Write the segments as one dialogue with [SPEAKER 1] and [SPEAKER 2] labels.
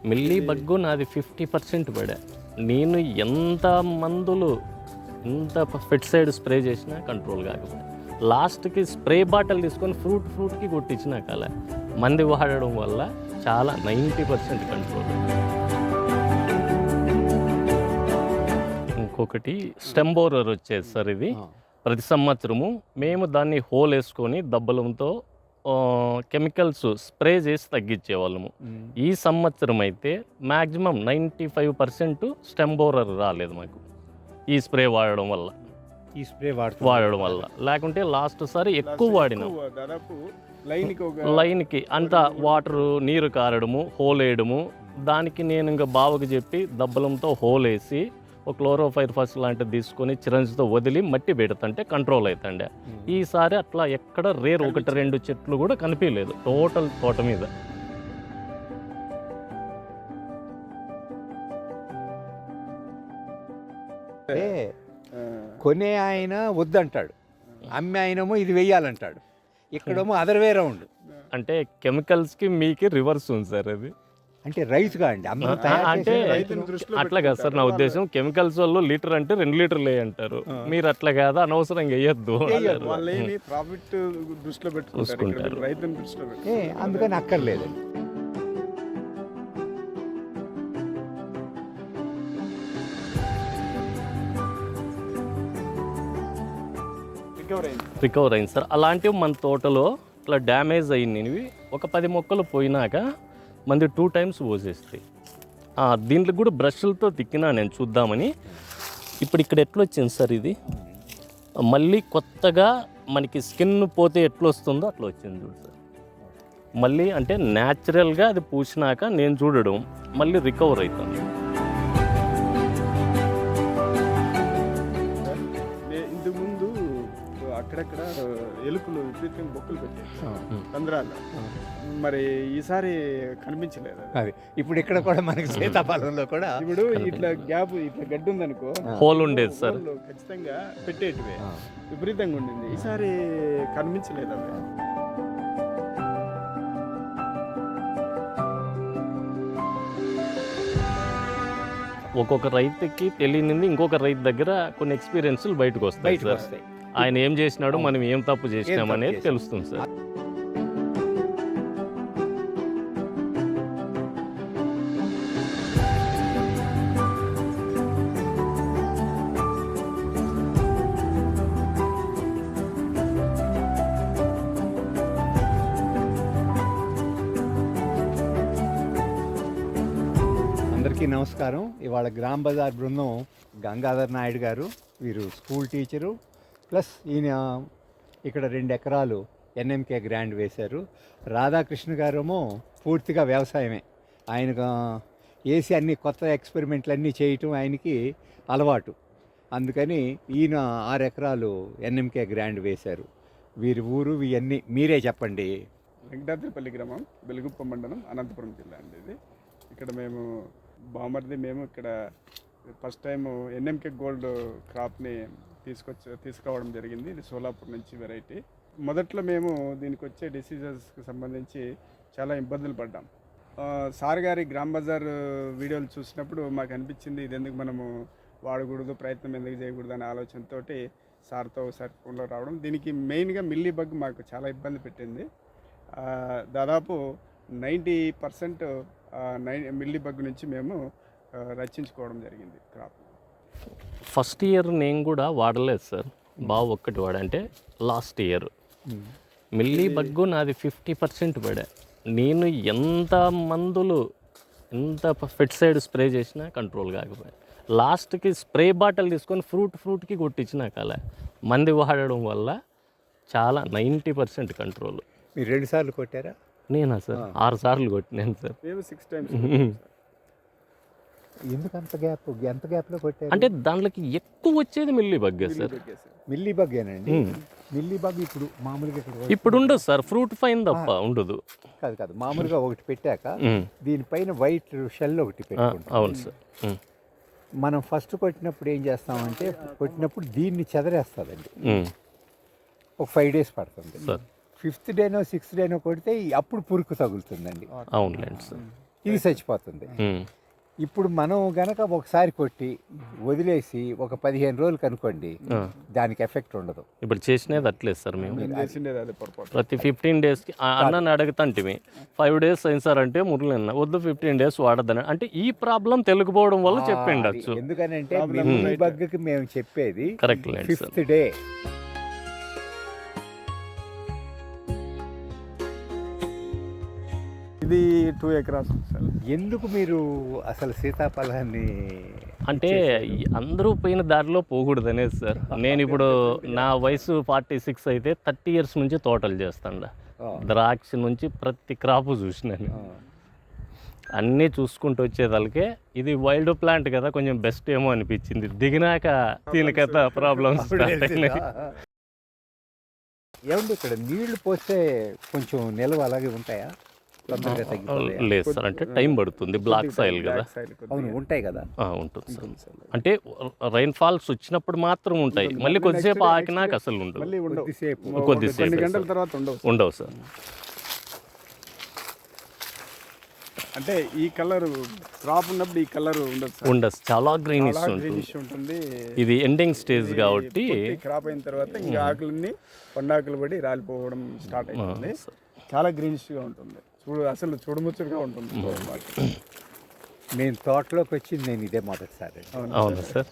[SPEAKER 1] Milli bug నాది 50% పడా. నేను ఎంత మందులు ఎంత పెస్టిసైడ్ స్ప్రే చేసినా కంట్రోల్ కాకపోతే లాస్ట్కి స్ప్రే బాటిల్ తీసుకొని ఫ్రూట్కి కొట్టించినా కల మంది వాడడం వల్ల చాలా 90% కంట్రోల్. ఇంకొకటి స్టెమ్ బోరర్ వచ్చేది సార్. ఇది ప్రతి సంవత్సరము మేము దాన్ని హోల్ వేసుకొని దబ్బలంతో కెమికల్స్ స్ప్రే చేసి తగ్గించేవాళ్ళము. ఈ సంవత్సరం అయితే మ్యాక్సిమం 95% స్టెమ్ బోరర్ రాలేదు మాకు ఈ స్ప్రే వాడడం వల్ల. వాడడం వల్ల లేకుంటే లాస్ట్ సారి ఎక్కువ వాడినాం.
[SPEAKER 2] దాదాపు
[SPEAKER 1] లైన్కి అంతా వాటరు నీరు కారడము, హోల్ వేయడము. దానికి నేను ఇంకా బావకు చెప్పి దబ్బలంతో హోల్ వేసి ఒక క్లోరోఫైర్ ఫస్ట్ లాంటిది తీసుకొని చిరంజితో వదిలి మట్టి పెడుతుంటే కంట్రోల్ అవుతుండే. ఈసారి అట్లా ఎక్కడ రేర్ 1-2 చెట్లు కూడా కనిపించలేదు టోటల్ తోట మీద.
[SPEAKER 3] కొనే ఆయన వద్దంటాడు, అమ్మే ఆయనేమో ఇది వెయ్యాలంటాడు, ఇక్కడేమో అదర్ వే రౌండ్.
[SPEAKER 1] అంటే కెమికల్స్కి మీకు రివర్స్ ఉంది సార్. అది
[SPEAKER 3] అంటే రైతుగా అండి
[SPEAKER 1] అంటే అట్లా కాదు సార్ నా ఉద్దేశం. కెమికల్స్ వాళ్ళు లీటర్ అంటే 2 లీటర్లు వేయంటారు, మీరు అట్లా కాదా అనవసరంగా వేయద్దు
[SPEAKER 2] ప్రాఫిట్ దృష్టిలో పెట్టుకుంటారు, రైతుని దృష్టిలో పెట్టుకుంటారు.
[SPEAKER 3] అందుకని అక్కర్లేదు.
[SPEAKER 1] రికవర్ అయింది సార్. అలాంటివి మన తోటలో ఇట్లా డ్యామేజ్ అయినవి ఒక 10 మొక్కలు పోయినాక మంది 2 టైమ్స్ పోసేస్తాయి. దీంట్లో కూడా బ్రష్లతో తిక్కినా నేను చూద్దామని. ఇప్పుడు ఇక్కడ ఎట్లా వచ్చింది సార్ ఇది, మళ్ళీ కొత్తగా మనకి స్కిన్ పోతే ఎట్లా వస్తుందో అట్లా వచ్చింది చూడు సార్. మళ్ళీ అంటే న్యాచురల్గా అది పూసినాక నేను చూడడం మళ్ళీ రికవర్ అవుతుంది.
[SPEAKER 2] ఇంతకుముందు అక్కడక్కడ ఎలుకలు విపరీతంగా బొక్కలు పెట్టాయి తంద్రాలు, మరి ఈసారి కనిపించలేదు
[SPEAKER 3] అది. ఇప్పుడు ఇక్కడ కూడా మనకి సీతాఫలంలో కూడా
[SPEAKER 2] ఇప్పుడు ఇట్లా గ్యాప్ ఇట్లా గడ్డి ఉందనుకో,
[SPEAKER 1] హోల్ ఉండేది సార్,
[SPEAKER 2] ఖచ్చితంగా పెట్టేటివే విపరీతంగా ఉండింది. ఈసారి కనిపించలేదు అవి.
[SPEAKER 1] ఒక్కొక్క రైతుకి తెలియనింది ఇంకొక రైతు దగ్గర కొన్ని ఎక్స్పీరియన్స్లు బయటకు వస్తాయి సార్. ఆయన ఏం చేసినాడు, మనం ఏం తప్పు చేసినాం అనేది తెలుస్తుంది సార్.
[SPEAKER 3] అందరికీ నమస్కారం. ఇవాళ గ్రామ్ బజార్ బృందం గంగాధర్ నాయుడు గారు, వీరు స్కూల్ టీచరు, ప్లస్ ఈయన ఇక్కడ 2 ఎకరాలు ఎన్ఎంకే గ్రాండ్ వేశారు. రాధాకృష్ణ గారేమో పూర్తిగా వ్యవసాయమే, ఆయన వేసి అన్ని కొత్త ఎక్స్పెరిమెంట్లు అన్నీ చేయటం ఆయనకి అలవాటు. అందుకని ఈయన 6 ఎకరాలు ఎన్ఎంకే గ్రాండ్ వేశారు. వీరి ఊరు ఇవన్నీ మీరే చెప్పండి.
[SPEAKER 2] వెంకటాద్రిపల్లి గ్రామం, వెలుగుప్ప మండలం, అనంతపురం జిల్లా అండి ఇది. ఇక్కడ మేము మేము ఇక్కడ ఫస్ట్ టైం ఎన్ఎంకే గోల్డ్ క్రాప్ని తీసుకురావడం జరిగింది. ఇది సోలాపూర్ నుంచి వెరైటీ. మొదట్లో మేము దీనికి వచ్చే డిసీజెస్కి సంబంధించి చాలా ఇబ్బందులు పడ్డాం. సార్ గారి గ్రామ్ బజార్ వీడియోలు చూసినప్పుడు మాకు అనిపించింది, ఇది ఎందుకు మనము వాడకూడదు, ప్రయత్నం ఎందుకు చేయకూడదు అనే ఆలోచనతో సార్తో ఒకసారి ఫోన్లో రావడం. దీనికి మెయిన్గా మిల్లీ బగ్ మాకు చాలా ఇబ్బంది పెట్టింది. దాదాపు 90% మిల్లీ బగ్ నుంచి మేము రక్షించుకోవడం జరిగింది క్రాప్.
[SPEAKER 1] ఫస్ట్ ఇయర్ నేను కూడా వాడలేదు సార్, బాగా ఒక్కటి వాడంటే లాస్ట్ ఇయర్ మిల్లీ బగ్గు నాది 50% పడా. నేను ఎంత మందులు ఎంత పెస్టిసైడ్ స్ప్రే చేసినా కంట్రోల్ కాకపోయా. లాస్ట్కి స్ప్రే బాటిల్ తీసుకొని ఫ్రూట్కి కొట్టించినా కల మంది వాడడం వల్ల చాలా 90% కంట్రోల్.
[SPEAKER 3] మీరు 2 సార్లు కొట్టారా?
[SPEAKER 1] నేనా సార్ 6 సార్లు కొట్టినాను సార్.
[SPEAKER 2] 6 times.
[SPEAKER 3] ఎందుకు అంత గ్యాప్? ఎంత గ్యాప్లో కొట్టారు?
[SPEAKER 1] అంటే దాంట్లోకి ఎక్కువ వచ్చేది మిల్లీ బగ్గే సార్.
[SPEAKER 3] మిల్లీ బగ్గేనండి. మిల్లీ బగ్ ఇప్పుడు మామూలుగా
[SPEAKER 1] ఇప్పుడు ఉండదు సార్, ఫ్రూట్ ఫైన్ తప్ప ఉండదు.
[SPEAKER 3] కాదు, మామూలుగా ఒకటి పెట్టాక దీనిపైన వైట్ షెల్ ఒకటి పెట్టుకుంటాం.
[SPEAKER 1] అవును సార్.
[SPEAKER 3] మనం ఫస్ట్ కొట్టినప్పుడు ఏం చేస్తామంటే, కొట్టినప్పుడు దీన్ని చెదరేస్తుందండి. ఒక 5 days పడుతుంది సార్. 5th డేనో 6th డేనో కొడితే అప్పుడు పురుకు తగులుతుందండి.
[SPEAKER 1] అవునులేండి సార్.
[SPEAKER 3] ఇది చచ్చిపోతుంది.
[SPEAKER 1] ఉమ్.
[SPEAKER 3] ఇప్పుడు మనం గనక ఒకసారి కొట్టి వదిలేసి ఒక 15 రోజులు కనుకోండి, దానికి ఎఫెక్ట్ ఉండదు.
[SPEAKER 1] ఇప్పుడు చేసినది అట్లేదు సార్ మేము
[SPEAKER 2] మేము చేసిండేది అదే పొరపాటు.
[SPEAKER 1] ప్రతి 15 డేస్కి అన్నని అడుగుతాంటివి 5 డేస్ అయింది సార్ అంటే మురళి వద్దు 15 డేస్ వాడద్దని అంటే ఈ ప్రాబ్లం తెలుగుపోవడం వల్ల చెప్పిండొచ్చు.
[SPEAKER 3] ఎందుకనంటే మిల్లీ బగ్కి మేము చెప్పేది
[SPEAKER 1] కరెక్ట్ లేండి సార్.
[SPEAKER 3] 5th day.
[SPEAKER 2] ఇది 2 ఎకరాస్ ఉంది సార్.
[SPEAKER 3] ఎందుకు మీరు అసలు సీతాఫలాన్ని
[SPEAKER 1] అంటే అందరూ పోయిన దారిలో పోకూడదనే సార్. నేను ఇప్పుడు నా వయసు 46 అయితే 30 ఇయర్స్ నుంచి తోటలు చేస్తాను. ద్రాక్ష నుంచి ప్రతి క్రాప్ చూసినాను. అన్నీ చూసుకుంటూ వచ్చేదానికే ఇది వైల్డ్ ప్లాంట్ కదా కొంచెం బెస్ట్ ఏమో అనిపించింది. దిగినాక దీనికైతే ప్రాబ్లమ్స్
[SPEAKER 3] ఏమండి ఇక్కడ నీళ్లు పోస్తే కొంచెం నిల్వ అలాగే ఉంటాయా? తొందరగా తగ్గిపోతాయా?
[SPEAKER 1] లేదు సార్, అంటే టైం పడుతుంది. బ్లాక్ సాయిల్ కదా.
[SPEAKER 3] అవును ఉంటాయి కదా.
[SPEAKER 1] ఉంటుంది సార్. అంటే రైన్ ఫాల్స్ వచ్చినప్పుడు మాత్రం ఉంటాయి, మళ్ళీ కొద్దిసేపు ఆకినాక అసలు ఉండదు.
[SPEAKER 2] మళ్ళీ ఉండవు.
[SPEAKER 3] కొద్దిసేపు
[SPEAKER 2] కొన్ని గంటల తర్వాత
[SPEAKER 1] ఉండవు సార్.
[SPEAKER 2] అంటే ఈ కలర్ క్రాప్ ఉన్నప్పుడు ఈ కలర్ ఉండదు
[SPEAKER 1] ఉండదు, చాలా గ్రీనిష్
[SPEAKER 2] గ్రీనిష్ ఉంటుంది.
[SPEAKER 1] ఇది ఎండింగ్ స్టేజ్ కాబట్టి
[SPEAKER 2] క్రాప్ అయిన తర్వాత ఇంకా ఆకులన్నీ పండాకులు పడి రాలిపోవడం స్టార్ట్ అవుతుంది. చాలా గ్రీనిష్గా ఉంటుంది. అసలు చూడముచ్చటగా ఉంటుంది.
[SPEAKER 3] నేను తోటలోకి వచ్చింది నేను ఇదే మొదటిసారి.
[SPEAKER 1] అవునా సార్.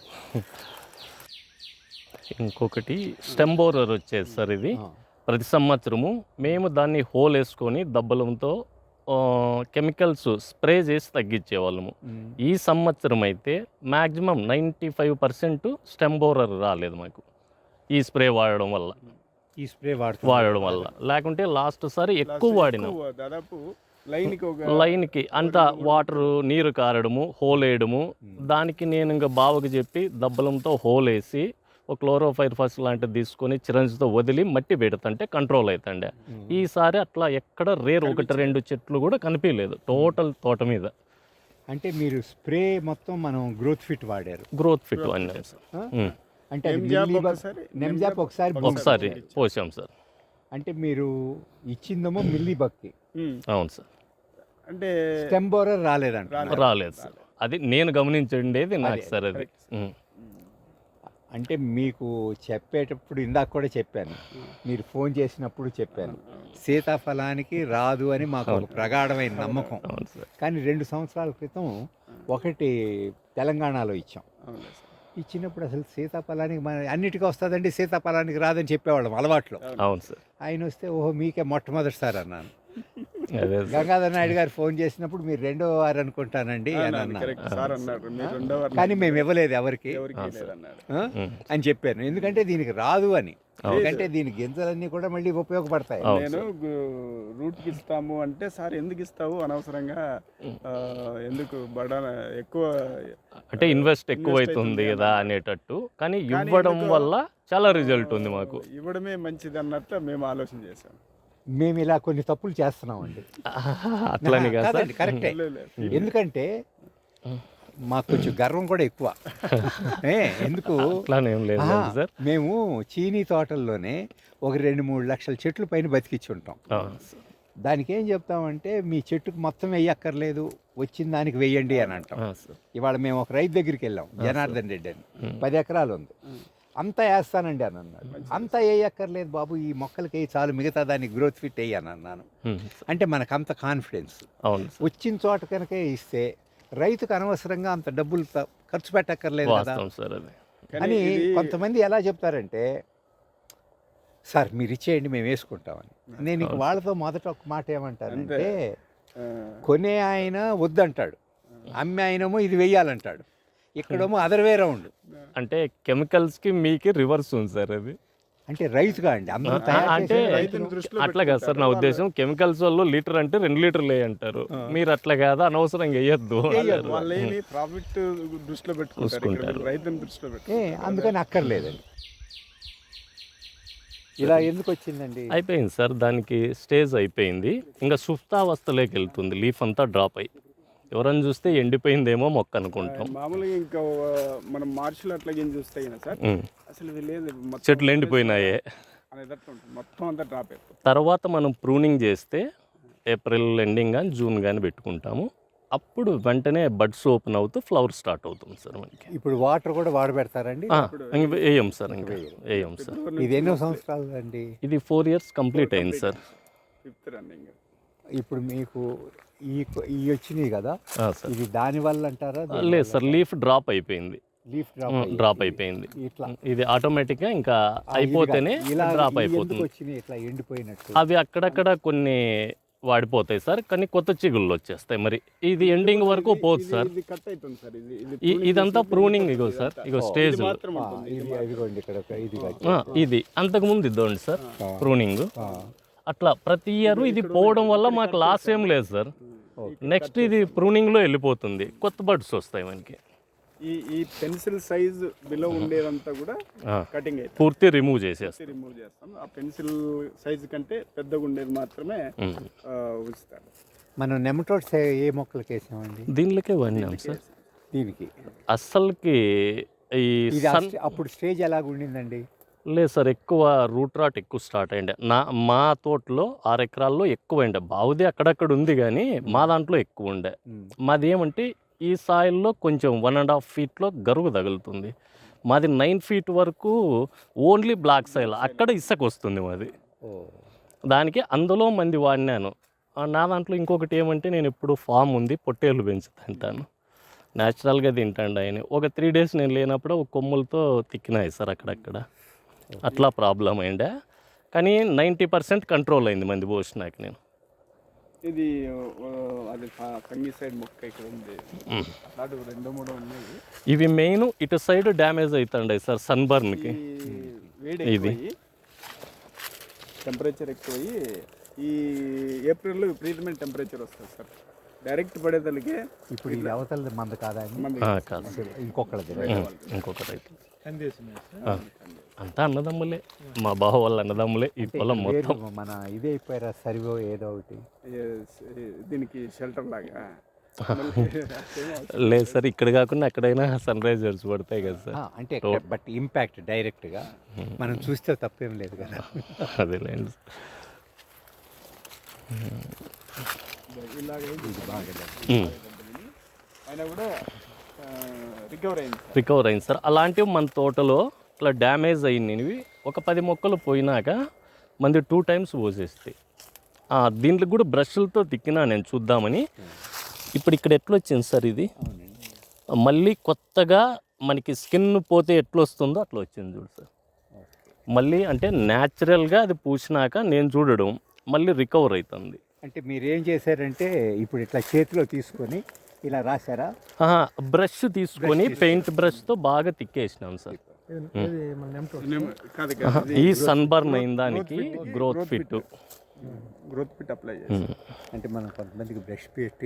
[SPEAKER 1] ఇంకొకటి స్టెమ్ బోరర్ వచ్చేది సార్. ఇది ప్రతి సంవత్సరము మేము దాన్ని హోల్ వేసుకొని దబ్బలంతో కెమికల్స్ స్ప్రే చేసి తగ్గించేవాళ్ళము. ఈ సంవత్సరం అయితే మ్యాక్సిమం 95% స్టెమ్ బోరర్ రాలేదు మాకు ఈ స్ప్రే వాడడం వల్ల.
[SPEAKER 3] ఈ స్ప్రే
[SPEAKER 1] వాడడం వల్ల లేకుంటే లాస్ట్ సారి ఎక్కువ వాడినాం.
[SPEAKER 2] దాదాపు
[SPEAKER 1] లైన్కి అంత వాటర్ నీరు కారడము, హోల్ వేయడము. దానికి నేను ఇంకా బావకి చెప్పి దబ్బలంతో హోల్ వేసి ఒక క్లోరోఫైర్ ఫస్ట్ లాంటిది తీసుకొని చిరంజితో వదిలి మట్టి పెడుతుంటే కంట్రోల్ అవుతుండే. ఈసారి అట్లా ఎక్కడ రేర్ 1-2 చెట్లు కూడా కనిపించలేదు టోటల్ తోట మీద.
[SPEAKER 3] అంటే మీరు స్ప్రే మొత్తం మనం గ్రోత్ ఫిట్ వాడారు.
[SPEAKER 1] గ్రోత్ ఫిట్ అన్నాం సార్.
[SPEAKER 3] అంటే నెమ్జాప్ ఒకసారి
[SPEAKER 1] పోసాం సార్.
[SPEAKER 3] అంటే మీరు ఇచ్చిందేమో మిల్లీ బగ్కి.
[SPEAKER 1] అవును సార్.
[SPEAKER 2] అంటే
[SPEAKER 3] స్టెమ్ బోరర్
[SPEAKER 1] రాలేదు సార్. అది నేను గమనించండేది నాకు సార్. అది
[SPEAKER 3] అంటే మీకు చెప్పేటప్పుడు ఇందాక కూడా చెప్పాను, మీరు ఫోన్ చేసినప్పుడు చెప్పాను, సీతాఫలానికి రాదు అని మాకు ఒక ప్రగాఢమైన నమ్మకం. కానీ 2 సంవత్సరాల క్రితం ఒకటి తెలంగాణలో ఇచ్చాం. ఇచ్చినప్పుడు అసలు సీతాఫలానికి మన అన్నిటికీ వస్తుందండి, సీతాఫలానికి రాదని చెప్పేవాళ్ళం అలవాట్లో.
[SPEAKER 1] అవును సార్.
[SPEAKER 3] ఆయన వస్తే ఓహో మీకే మొట్టమొదటిసారి అన్నాను. గంగాధర్ నాయుడు గారు ఫోన్ చేసినప్పుడు మీరు 2వ వారు అనుకుంటానండి అని అన్నారు. కానీ మేము ఇవ్వలేదు ఎవరికి అని చెప్పాను. ఎందుకంటే దీనికి రాదు అని. ఎందుకంటే దీని గింజలన్నీ కూడా మళ్ళీ ఉపయోగపడతాయి.
[SPEAKER 2] నేను రూట్కి ఇస్తాము అంటే సార్ ఎందుకు ఇస్తావు అనవసరంగా ఎందుకు ఎక్కువ
[SPEAKER 1] అంటే ఇన్వెస్ట్ ఎక్కువ అవుతుంది కదా అనేటట్టు. కానీ ఇవ్వడం వల్ల చాలా రిజల్ట్ ఉంది మాకు.
[SPEAKER 2] ఇవ్వడమే మంచిది అన్నట్టు మేము ఆలోచన చేశాం.
[SPEAKER 3] మేము ఇలా కొన్ని తప్పులు చేస్తున్నామండి.
[SPEAKER 1] అట్లని
[SPEAKER 3] కాదండి, కరెక్టే. ఎందుకంటే మాకు కొంచెం గర్వం కూడా ఎక్కువ. ఎందుకు మేము చీనీ తోటల్లోనే ఒక 2-3 లక్షల చెట్లు పైన బతికిచ్చి ఉంటాం. దానికి ఏం చెప్తామంటే మీ చెట్టుకు మొత్తం వేయక్కర్లేదు, వచ్చిన దానికి వేయండి అని అంటాం. ఇవాళ మేము ఒక రైతు దగ్గరికి వెళ్ళాం, జనార్దన్ రెడ్డి అని, 10 ఎకరాలు ఉంది. అంతా వేస్తానండి అని అన్నాడు. అంతా వేయక్కర్లేదు బాబు, ఈ మొక్కలకి వేయి చాలు, మిగతా దానికి గ్రోత్ ఫిట్ వేయి అని అన్నాను. అంటే మనకు అంత కాన్ఫిడెన్స్. వచ్చిన చోట కనుక ఇస్తే రైతుకు అనవసరంగా అంత డబ్బులు ఖర్చు పెట్టక్కర్లేదు కదా అని. కొంతమంది ఎలా చెప్తారంటే సార్ మీరు ఇచ్చేయండి మేము వేసుకుంటామని. నేను వాళ్ళతో మొదట ఒక మాట ఏమంటానంటే, కొనే ఆయన వద్దంటాడు, అమ్మే ఆయనేమో ఇది వెయ్యాలంటాడు. ఇక్కడేమో అదర్ వే రౌండ్.
[SPEAKER 1] అంటే కెమికల్స్కి మీకు రివర్స్ ఉంది సార్. అది
[SPEAKER 3] అంటే రైతుగా అండి అందరూ
[SPEAKER 1] అంటే అట్లా కాదు సార్ నా ఉద్దేశం. కెమికల్స్ వాళ్ళు లీటర్ అంటే 2 లీటర్లు వేయంటారు, మీరు అట్లా కాదు అనవసరంగా వేయద్దు.
[SPEAKER 3] అందుకని అక్కర్లేదండి. ఇలా ఎందుకు వచ్చిందండి?
[SPEAKER 1] అయిపోయింది సార్, దానికి స్టేజ్ అయిపోయింది. ఇంకా సుప్తావస్థలోకి వెళ్తుంది, లీఫ్ అంతా డ్రాప్ అయ్యి. ఎవరైనా చూస్తే ఎండిపోయిందేమో మొక్క అనుకుంటాం.
[SPEAKER 2] మామూలుగా ఇంకా మనం మార్చిలో అట్లా చూస్తే సార్ అసలు
[SPEAKER 1] చెట్లు ఎండిపోయినాయే.
[SPEAKER 2] మొత్తం అంతా డ్రాప్ అయిపోతుంది.
[SPEAKER 1] తర్వాత మనం ప్రూనింగ్ చేస్తే ఏప్రిల్ ఎండింగ్ కానీ జూన్ కానీ పెట్టుకుంటాము. అప్పుడు వెంటనే బడ్స్ ఓపెన్ అవుతూ ఫ్లవర్ స్టార్ట్ అవుతుంది సార్ మనకి.
[SPEAKER 3] ఇప్పుడు వాటర్ కూడా వాడబెడతారండి?
[SPEAKER 1] ఇంక వేయం సార్, ఇంకా వేయం సార్.
[SPEAKER 3] ఇది ఎన్నో సంవత్సరాలు అండి?
[SPEAKER 1] ఇది 4 years కంప్లీట్ అయింది సార్.
[SPEAKER 2] 5th running.
[SPEAKER 3] ఇప్పుడు మీకు ఈ వచ్చినాయి కదా
[SPEAKER 1] సార్.
[SPEAKER 3] ఇది దానివల్ల అంటారా?
[SPEAKER 1] లేదు సార్, లీఫ్ డ్రాప్ అయిపోయింది,
[SPEAKER 3] లీఫ్
[SPEAKER 1] డ్రాప్ అయిపోయింది.
[SPEAKER 3] ఇట్లా
[SPEAKER 1] ఇది ఆటోమేటిక్గా ఇంకా అయిపోతేనే
[SPEAKER 3] ఇలా
[SPEAKER 1] డ్రాప్ అయిపోతుంది.
[SPEAKER 3] వచ్చినాయి ఇట్లా ఎండిపోయినట్టు.
[SPEAKER 1] అవి అక్కడక్కడ కొన్ని వాడిపోతాయి సార్, కానీ కొత్త చిగుళ్ళు వచ్చేస్తాయి. మరి ఇది ఎండింగ్ వరకు పోదు సార్.
[SPEAKER 2] ఇది కట్ అవుతుంది సార్.
[SPEAKER 1] ఇదంతా ప్రూనింగ్. ఇగో సార్, ఇగో స్టేజ్
[SPEAKER 2] మాత్రం ఉంటుంది.
[SPEAKER 3] ఇది అదిగోండి ఇక్కడ ఇది
[SPEAKER 1] ఇది అంతకుముందు ఇద్దండి సార్ ప్రూనింగ్. అట్లా ప్రతి ఇయర్ ఇది పోవడం వల్ల మాకు లాస్ ఏం లేదు సార్. నెక్స్ట్ ఇది ప్రూనింగ్లో వెళ్ళిపోతుంది, కొత్త బడ్స్ వస్తాయి మనకి.
[SPEAKER 2] ఈ పెన్సిల్ సైజ్ బిలో ఉండేదంతా కూడా కటింగ్ అయితే
[SPEAKER 1] పూర్తి రిమూవ్ చేసేస్తాం.
[SPEAKER 2] రిమూవ్ చేస్తాం. ఆ పెన్సిల్ సైజ్ కంటే పెద్దగా ఉండేది మాత్రమే ఉంచుతారు.
[SPEAKER 3] మనం నెమటోడ్స్ ఏ మొక్కలకి వేసామండి?
[SPEAKER 1] దీనిలోకే వాడినాం సార్.
[SPEAKER 3] దీనికి
[SPEAKER 1] అస్సలకి ఈ
[SPEAKER 3] ఇది అప్పుడు స్టేజ్ ఎలాగ ఉండిందండి?
[SPEAKER 1] లేదు సార్, ఎక్కువ రూట్ రాట్ ఎక్కువ స్టార్ట్ అయ్యిండే. మా తోటలో 6 ఎకరాల్లో ఎక్కువ ఉండే. బావుది అక్కడక్కడ ఉంది కానీ మా దాంట్లో ఎక్కువ ఉండే. మాది ఏమంటే ఈ సాయిల్లో కొంచెం 1.5 feet గరుగు తగులుతుంది. మాది 9 feet వరకు ఓన్లీ బ్లాక్ సాయిల్, అక్కడ ఇసుక వస్తుంది మాది. దానికి అందులో మంది వాడినాను. నా దాంట్లో ఇంకొకటి ఏమంటే నేను ఇప్పుడు ఫామ్ ఉంది, పొట్టేళ్ళు పెంచుతుంటాను, న్యాచురల్గా తింటాండి ఆయన. ఒక 3 days నేను లేనప్పుడు ఒక కొమ్ములతో తిక్కినాయి సార్ అక్కడక్కడ. అట్లా ప్రాబ్లం అయిండే, కానీ 90% కంట్రోల్ అయింది మంది పోసినాక. నేను
[SPEAKER 2] ఇది అది ఫంగిసైడ్ మొక్క ఇక్కడ ఉంది, అట్లాంటి 2-3 ఉన్నాయి.
[SPEAKER 1] ఇవి మెయిన్ ఇటు సైడ్ డ్యామేజ్ అవుతుండే సార్ సన్బర్న్కి.
[SPEAKER 2] ఇది టెంపరేచర్ ఎక్కువయ్యి ఈ ఏప్రిల్లో విపరీతమైన టెంపరేచర్ వస్తుంది సార్. డైరెక్ట్ పడేదానికి
[SPEAKER 3] ఇప్పుడు ఇది అవతల మంద కాదా?
[SPEAKER 1] కాదు,
[SPEAKER 3] ఇంకొకటి
[SPEAKER 1] అయితే అంతా అన్నదమ్ములే, మా బావ వాళ్ళ అన్నదమ్ములే. ఈ పొలం మొత్తం
[SPEAKER 3] మన ఇదే అయిపోయారా సరివో ఏదో ఒకటి
[SPEAKER 2] దీనికి షెల్టర్ లాగా.
[SPEAKER 1] లేదు సార్, ఇక్కడ కాకుండా ఎక్కడైనా సన్ రైజర్స్ పడతాయి కదా సార్.
[SPEAKER 3] అంటే బట్ ఇంపాక్ట్ డైరెక్ట్గా మనం చూస్తే తప్పేం లేదు కదా.
[SPEAKER 1] అదేలేండి.
[SPEAKER 2] అయినా కూడా రికవర్
[SPEAKER 1] అయింది సార్. అలాంటివి మన తోటలో ఇట్లా డ్యామేజ్ అయినవి ఒక 10 మొక్కలు పోయినాక మంది 2 times పోసేస్తాయి. దీంట్లో కూడా బ్రష్లతో తిక్కినా నేను చూద్దామని. ఇప్పుడు ఇక్కడ ఎట్లా వచ్చింది సార్, ఇది మళ్ళీ కొత్తగా మనకి స్కిన్ పోతే ఎట్లా వస్తుందో అట్లా వచ్చింది చూడు సార్. మళ్ళీ అంటే న్యాచురల్గా అది పూసినాక నేను చూడడం మళ్ళీ రికవర్ అవుతుంది.
[SPEAKER 3] అంటే మీరు ఏం చేశారంటే ఇప్పుడు ఇట్లా చేతిలో తీసుకొని ఇలా రాశారా?
[SPEAKER 1] బ్రష్ తీసుకొని పెయింట్ బ్రష్తో బాగా తిక్కేసినాం సార్. ఈ సన్బర్న్ అయిన దానికి గ్రోత్ ఫిట్
[SPEAKER 2] అప్లై చేస్తాం.
[SPEAKER 3] అంటే మనం కొంతమందికి బ్రష్ పెట్టి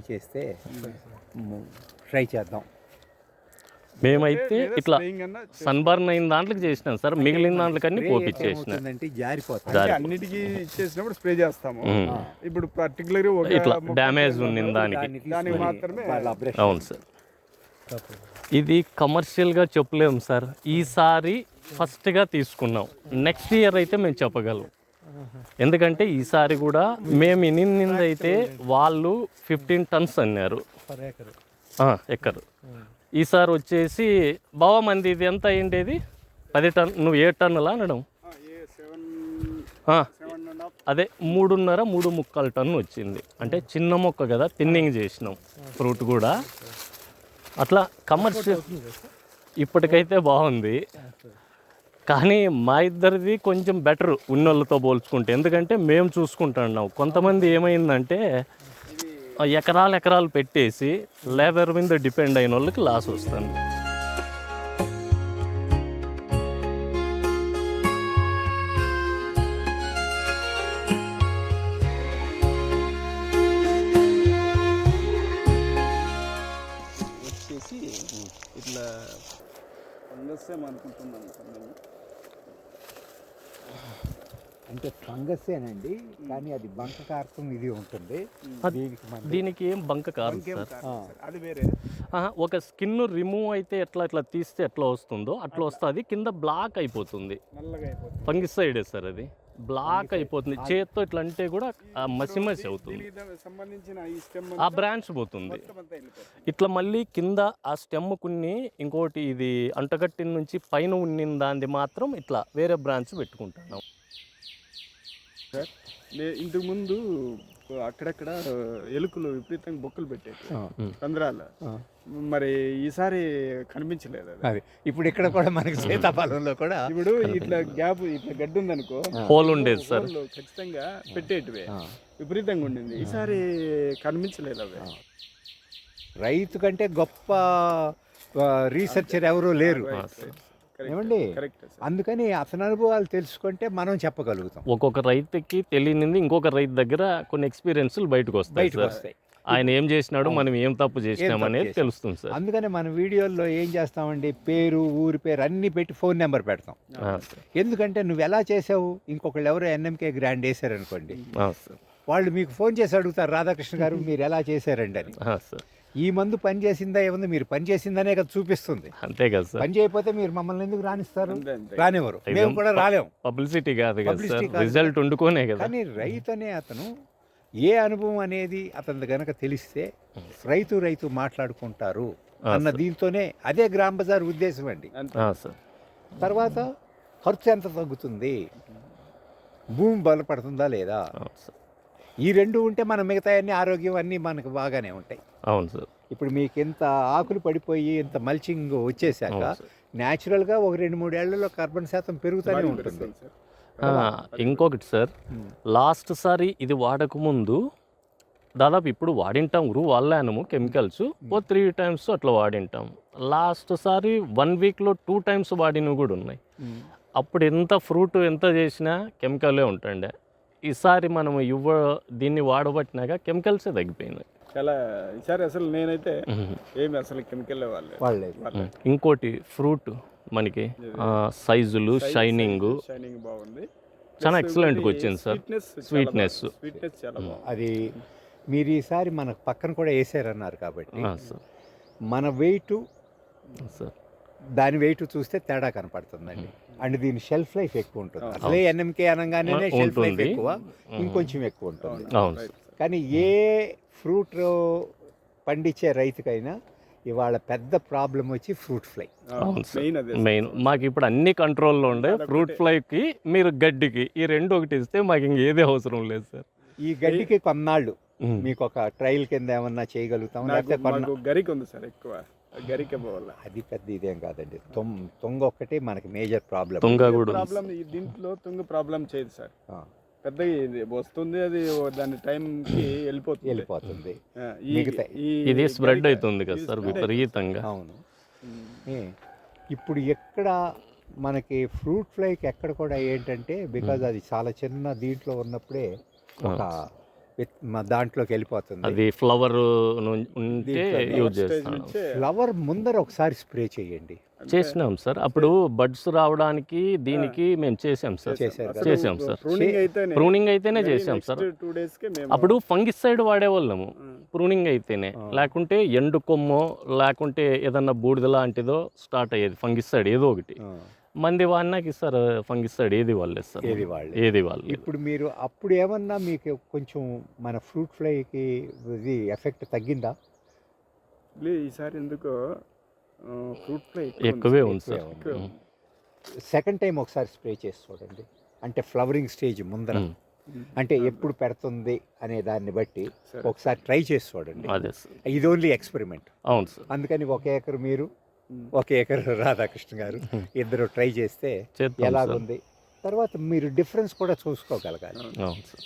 [SPEAKER 3] ట్రై చేద్దాం.
[SPEAKER 1] మేమైతే ఇట్లా సన్బర్న్ అయిన దాంట్లోకి చేసినాం సార్, మిగిలిన దాంట్లోకన్నీ పోపిచ్చేసిన.
[SPEAKER 3] జారిపోతుంది.
[SPEAKER 2] అన్నిటికీ ఇచ్చేసినప్పుడు స్ప్రే చేస్తాము. ఇప్పుడు పర్టికులర్
[SPEAKER 1] ఇట్లా డ్యామేజ్ ఉంది దానికి
[SPEAKER 2] మాత్రమే.
[SPEAKER 1] అవును సార్, ఇది కమర్షియల్గా చెప్పలేము సార్. ఈసారి ఫస్ట్గా తీసుకున్నాం, నెక్స్ట్ ఇయర్ అయితే మేము చెప్పగలం. ఎందుకంటే ఈసారి కూడా మేము ఇన్నింది అయితే వాళ్ళు 15 tons అన్నారు ఎక్కరు. ఈసారి వచ్చేసి బావ మంది ఇది ఎంత అయ్యిండేది 10 ton, నువ్వు 7 టన్నులా అనడం. అదే 3.5-3.75 టన్ను వచ్చింది. అంటే చిన్న మొక్క కదా, థిన్నింగ్ చేసినాం ఫ్రూట్ కూడా. అట్లా కమర్షియల్ ఇప్పటికైతే బాగుంది, కానీ మా ఇద్దరిది కొంచెం బెటర్ ఉన్నోళ్ళతో పోల్చుకుంటే. ఎందుకంటే మేము చూసుకుంటున్నాం. కొంతమంది ఏమైందంటే ఎకరాలు పెట్టేసి లేబర్ మీద డిపెండ్ అయిన వాళ్ళకి లాస్ వస్తుంది.
[SPEAKER 2] వచ్చేసి ఇట్లా ఫంగస్ అనుకుంటున్నాను సార్ నేను.
[SPEAKER 3] అంటే ఫంగస్సేనండి, కానీ అది బంక కారకం ఇది ఉంటుంది.
[SPEAKER 1] దీనికి ఏం బంక కాదు సార్,
[SPEAKER 2] అది వేరే.
[SPEAKER 1] ఒక స్కిన్ రిమూవ్ అయితే ఎట్లా తీస్తే ఎట్లా వస్తుందో అట్లా వస్తుంది, కింద బ్లాక్ అయిపోతుంది.
[SPEAKER 2] నల్లగా అయిపోతుంది.
[SPEAKER 1] ఫంగిసైడే సార్ అది. బ్లాక్ అయిపోతుంది, చేత్తో ఇట్లా అంటే కూడా మసి మసి అవుతుంది,
[SPEAKER 2] దీనికి సంబంధించిన ఈ స్టెమ్
[SPEAKER 1] ఆ బ్రాంచ్ పోతుంది.
[SPEAKER 2] మొత్తం అంతా వెళ్ళిపోతుంది.
[SPEAKER 1] ఇట్లా మళ్ళీ కింద ఆ స్టెమ్ కొన్ని ఇంకోటి ఇది అంటగట్టిన నుంచి పైన ఉన్నిన దాన్ని మాత్రం ఇట్లా వేరే బ్రాంచ్ పెట్టుకుంటున్నాం.
[SPEAKER 2] సార్ ఇంతకు ముందు అక్కడక్కడ ఎలుకలు విపరీతంగా బొక్కలు పెట్టేవి రంధ్రాలు, మరి ఈసారి కనిపించలేదు అది.
[SPEAKER 3] అది ఇప్పుడు ఇక్కడ కూడా మనకి సీతాఫలంలో కూడా
[SPEAKER 2] ఇప్పుడు ఇట్లా గ్యాప్ ఇట్లా గడ్డి ఉందనుకో,
[SPEAKER 1] హోల్ ఉండేది సార్,
[SPEAKER 2] హోల్ ఖచ్చితంగా పెట్టేటివే విపరీతంగా ఉండింది. ఈసారి కనిపించలేదు అవి.
[SPEAKER 3] రైతు కంటే గొప్ప రీసెర్చర్ ఎవరూ లేరు ఏమండి.
[SPEAKER 2] కరెక్ట్.
[SPEAKER 3] అందుకని అతని అనుభవాలు తెలుసుకుంటే మనం చెప్పగలుగుతాం.
[SPEAKER 1] ఒక్కొక్క రైతుకి తెలియనింది ఇంకొక రైతు దగ్గర కొన్ని ఎక్స్పీరియన్స్లు బయటకు వస్తాయి సార్. ఆయన ఏం చేసినాడు, మనం ఏం తప్పు చేసినాం అనేది తెలుస్తుంది సార్.
[SPEAKER 3] అందుకని మన వీడియోల్లో ఏం చేస్తామండి, పేరు, ఊరి పేరు అన్నీ పెట్టి ఫోన్ నెంబర్ పెడతాం. ఎందుకంటే నువ్వు ఎలా చేసావు, ఇంకొకళ్ళు ఎవరో ఎన్ఎంకే గ్రాండ్ వేసారనుకోండి, వాళ్ళు మీకు ఫోన్ చేసి అడుగుతారు, రాధాకృష్ణ గారు మీరు ఎలా చేశారండి అని. ఈ మందు పని చేసిందా ఏముంది, మీరు పని చేసిందనే కదా చూపిస్తుంది,
[SPEAKER 1] అంతే కదా సార్.
[SPEAKER 3] పని చేయకపోతే మీరు మమ్మల్ని ఎందుకు రానిస్తారు, రానివ్వరు, మేము కూడా రాలేము.
[SPEAKER 1] పబ్లిసిటీ కాదు కదా సార్, రిజల్ట్ వండుకోనే కదా.
[SPEAKER 3] కానీ రైతు అనే అతను ఏ అనుభవం అనేది అతని గనక తెలిస్తే రైతు మాట్లాడుకుంటారు అన్న దీంతోనే, అదే గ్రామ్ బజార్ ఉద్దేశం అండి.
[SPEAKER 1] సార్
[SPEAKER 3] తర్వాత ఖర్చు ఎంత తగ్గుతుంది, భూమి బలపడుతుందా లేదా, ఈ రెండు ఉంటే మన మిగతా అన్ని ఆరోగ్యం అన్నీ మనకు బాగానే ఉంటాయి.
[SPEAKER 1] అవును సార్.
[SPEAKER 3] ఇప్పుడు మీకు ఇంత ఆకులు పడిపోయి ఇంత మల్చింగ్ వచ్చేసాక న్యాచురల్గా ఒక 2-3 ఏళ్లలో కార్బన్ శాతం పెరుగుతూనే ఉంటుంది.
[SPEAKER 1] ఇంకొకటి సార్, లాస్ట్ సారి ఇది వాడకముందు దాదాపు ఇప్పుడు వాడింటాం, వాడినాము కెమికల్స్ 3 times అట్లా వాడింటాం. లాస్ట్ సారి 1 weekలో 2 times వాడినవి కూడా ఉన్నాయి. అప్పుడు ఎంత ఫ్రూట్ ఎంత చేసినా కెమికలే ఉంటుండే. ఈసారి మనం దీన్ని వాడబట్టినాక కెమికల్సే తగ్గిపోయినాయి
[SPEAKER 2] చాలా. ఈసారి అసలు నేనైతే ఏమి అసలు కెమికల్ వాళ్ళే.
[SPEAKER 1] ఇంకోటి ఫ్రూట్ మనకి సైజులు, షైనింగ్
[SPEAKER 2] బాగుంది,
[SPEAKER 1] చాలా ఎక్సలెంట్గా వచ్చింది సార్. స్వీట్నెస్
[SPEAKER 2] చాలా బాగుంది.
[SPEAKER 3] అది మీరు ఈసారి మన పక్కన కూడా వేసారన్నారు కాబట్టి మన వెయిట్
[SPEAKER 1] సార్,
[SPEAKER 3] దాని వెయిట్ చూస్తే తేడా కనపడుతుందండి. అండ్ దీని షెల్ఫ్ లైఫ్ ఎక్కువ ఉంటుంది. అసలే ఎన్ఎంకే అనగానే షెల్ఫ్ లైఫ్ ఎక్కువ, ఇంకొంచెం ఎక్కువ ఉంటుంది. కానీ ఏ ఫ్రూట్ పండించే రైతుకైనా ఇవాళ పెద్ద ప్రాబ్లం వచ్చి ఫ్రూట్ ఫ్లై.
[SPEAKER 1] మెయిన్ మాకు ఇప్పుడు అన్ని కంట్రోల్లో ఉండే, ఫ్రూట్ ఫ్లైకి మీరు గడ్డికి ఈ రెండు ఒకటి ఇస్తే మాకు ఇంకేదే అవసరం లేదు సార్.
[SPEAKER 3] ఈ గడ్డికి కొన్నాళ్ళు మీకు ఒక ట్రయల్ కింద ఏమన్నా చేయగలుగుతాం, లేకపోతే
[SPEAKER 2] గరికి ఉంది సార్ ఎక్కువ గరిక పోవాలి.
[SPEAKER 3] అది పెద్ద ఇదేం కాదండి, తుంగ ఒక్కటి మనకి మేజర్ ప్రాబ్లం.
[SPEAKER 2] ప్రాబ్లం దీంట్లో తుంగ ప్రాబ్లం చేయదు సార్, పెద్ద వస్తుంది, అది దాని టైంకి వెళ్ళిపోతుంది.
[SPEAKER 1] ఇది స్ప్రెడ్ అవుతుంది కదా సార్ విపరీతంగా.
[SPEAKER 3] అవును. ఇప్పుడు ఎక్కడ మనకి ఫ్రూట్ ఫ్లైకి ఎక్కడ కూడా ఏంటంటే, బికాజ్ అది చాలా చిన్న దీంట్లో ఉన్నప్పుడే ఒక దాంట్లోకి వెళ్ళిపోతుంది.
[SPEAKER 1] అది ఫ్లవర్ ఉంటే యూజ్ చేస్తాం.
[SPEAKER 3] ఫ్లవర్ ముందర ఒకసారి స్ప్రే చేయండి.
[SPEAKER 1] చేసినాం సార్, అప్పుడు బడ్స్ రావడానికి దీనికి మేము చేసాం సార్. ప్రూనింగ్ అయితేనే చేసాం సార్. అప్పుడు ఫంగిసైడ్ వాడేవాళ్ళము ప్రూనింగ్ అయితేనే, లేకుంటే ఎండు కొమ్మో లేకుంటే ఏదన్నా బూడిద లాంటిదో స్టార్ట్ అయ్యేది ఫంగిసైడ్ ఏదో ఒకటి. మంది వాడినాకి సార్ ఫంగిసైడ్ ఏది వాళ్ళే సార్, ఏది వాళ్ళు.
[SPEAKER 3] ఇప్పుడు మీరు అప్పుడు ఏమన్నా మీకు కొంచెం మన ఫ్రూట్ ఫ్లైకి ఇది ఎఫెక్ట్ తగ్గిందా?
[SPEAKER 2] ఈసారి ఎందుకో ఫ్రూట్ ఫ్లై
[SPEAKER 1] ఎక్కువే ఉంది సార్.
[SPEAKER 3] సెకండ్ టైం ఒకసారి స్ప్రే చేసి చూడండి, అంటే ఫ్లవరింగ్ స్టేజ్ ముందర, అంటే ఎప్పుడు పెడుతుంది అనే దాన్ని బట్టి ఒకసారి ట్రై చేసి చూడండి. ఇది ఓన్లీ ఎక్స్పెరిమెంట్.
[SPEAKER 1] అవును సార్.
[SPEAKER 3] అందుకని 1 acre మీరు, 1 acre రాధాకృష్ణ గారు ఇద్దరు ట్రై చేస్తే ఎలాగుంది, తర్వాత మీరు డిఫరెన్స్ కూడా చూసుకోగలగాలి.
[SPEAKER 1] అవును సార్.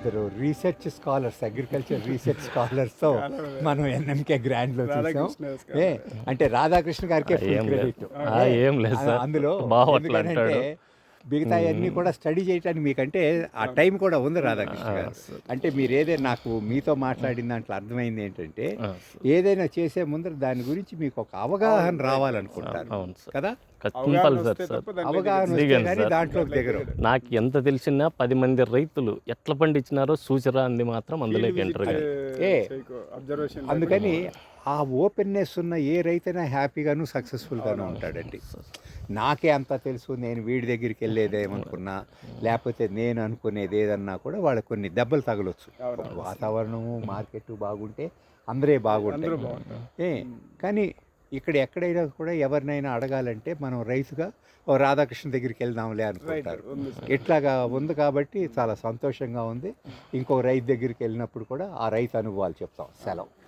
[SPEAKER 3] ఇద్దరు రీసెర్చ్ స్కాలర్స్, అగ్రికల్చర్ రీసెర్చ్ స్కాలర్స్తో మనం ఎన్ఎంకే గ్రాండ్లో చూసాం.
[SPEAKER 2] రాధాకృష్ణ
[SPEAKER 3] ఏ అంటే రాధాకృష్ణ గారికి
[SPEAKER 1] ఏం లేదు.
[SPEAKER 3] క్రెడిట్
[SPEAKER 1] ఏం లేదు సార్,
[SPEAKER 3] అందులో.
[SPEAKER 1] బాగా అట్లా అంటాడు.
[SPEAKER 3] మిగతా అన్నీ కూడా స్టడీ చేయడానికి మీకంటే ఆ టైం కూడా ఉంది రాధాకృష్ణ గారు. అంటే మీరు ఏదైనా నాకు మీతో మాట్లాడిన దాంట్లో అర్థమైంది ఏంటంటే ఏదైనా చేసే ముందర దాని గురించి మీకు ఒక అవగాహన రావాలనుకుంటారు
[SPEAKER 1] అవును సార్,
[SPEAKER 3] కదా.
[SPEAKER 1] Compulsory sir.
[SPEAKER 3] అవగాహన వస్తే
[SPEAKER 1] దిగండి
[SPEAKER 3] కానీ
[SPEAKER 1] సార్.
[SPEAKER 3] దాంట్లో దిగరు.
[SPEAKER 1] నాకు ఎంత తెలిసినా 10 మంది రైతులు ఎట్లా పండించినారో సూచరా అంది మాత్రం అందులోకి ఎంటర్ కాదు.
[SPEAKER 2] అబ్జర్వేషన్
[SPEAKER 3] అందుకని ఆ ఓపెన్నెస్ ఉన్న ఏ రైతైనా హ్యాపీగాను సక్సెస్ఫుల్గాను ఉంటాడండి. నాకే అంతా తెలుసు, నేను వీడి దగ్గరికి వెళ్ళేదేమనుకున్నా లేకపోతే నేను అనుకునేది ఏదన్నా కూడా వాళ్ళకి కొన్ని దెబ్బలు తగలొచ్చు. వాతావరణము మార్కెట్ బాగుంటే అందరే బాగుంటారు. కానీ ఇక్కడ ఎక్కడైనా కూడా ఎవరినైనా అడగాలంటే మనం రైతుగా ఓ రాధాకృష్ణ దగ్గరికి వెళ్దాంలే అనుకుంటారు. ఇట్లాగా ఉంది కాబట్టి చాలా సంతోషంగా ఉంది. ఇంకో రైతు దగ్గరికి వెళ్ళినప్పుడు కూడా ఆ రైతు అనుభవాలు చెప్తాం. సెలవు.